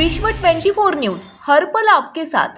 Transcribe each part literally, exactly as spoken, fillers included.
विश्व चौबीस न्यूज हर पल आपके साथ।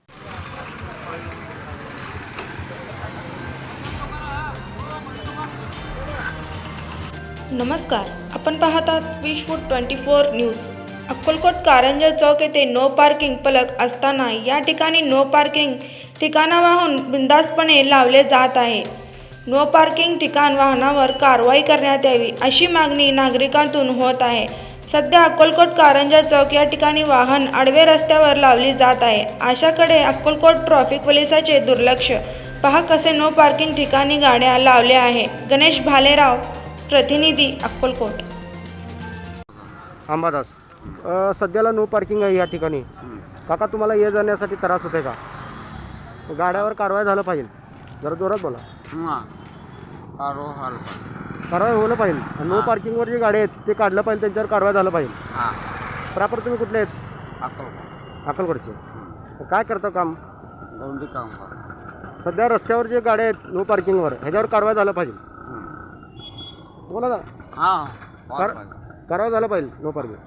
नमस्कार, आपण पाहतात विश्व चोवीस न्यूज। अक्कलकोट कारंजा चौक येथे नो पार्किंग फलक असताना या ठिकाणी नो पार्किंग ठिकाणावरून बिनधास्तपणे लावले जात आहे। नो पार्किंग ठिकाण वाहनावर कारवाई करण्यात यावी अशी मागणी नागरिकांतून होत आहे। सध्या अक्कलकोट कारंजा चौक या ठिकाणी वाहन आडवे रस्त्यावर लावली जात आहे। अशाकडे अक्कलकोट ट्रॅफिक पोलिसांचे दुर्लक्ष पहा कसे नो पार्किंग ठिकाणी गाड्या लावल्या आहे। गणेश भालेराव, प्रतिनिधी अक्कलकोट। अंबादास, अ, सध्याला नो पार्किंग आहे या ठिकाणी। काका, तुम्हाला ये जाण्यासाठी त्रास होते का? गाड्यावर कारवाई झालं पाहिजे, जरा जोरात बोला। कारवाई होलं पाहिजे। नो पार्किंगवर जे गाडी आहेत ते काढलं पाहिजे, त्यांच्यावर कारवाई झालं पाहिजे। प्रॉपर तुम्ही कुठले आहेत? अक्कलकोट अक्कलकोटचे। काय करता काम? गौंडी काम कर। सध्या रस्त्यावर जे गाड्या आहेत नो पार्किंगवर, ह्याच्यावर कारवाई झालं पाहिजे। बोला ना, हां कार कारवाई झालं पाहिजे नो पार्किंग।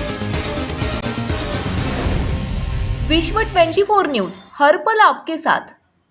विश्व चौबीस न्यूज हर पल आपके साथ।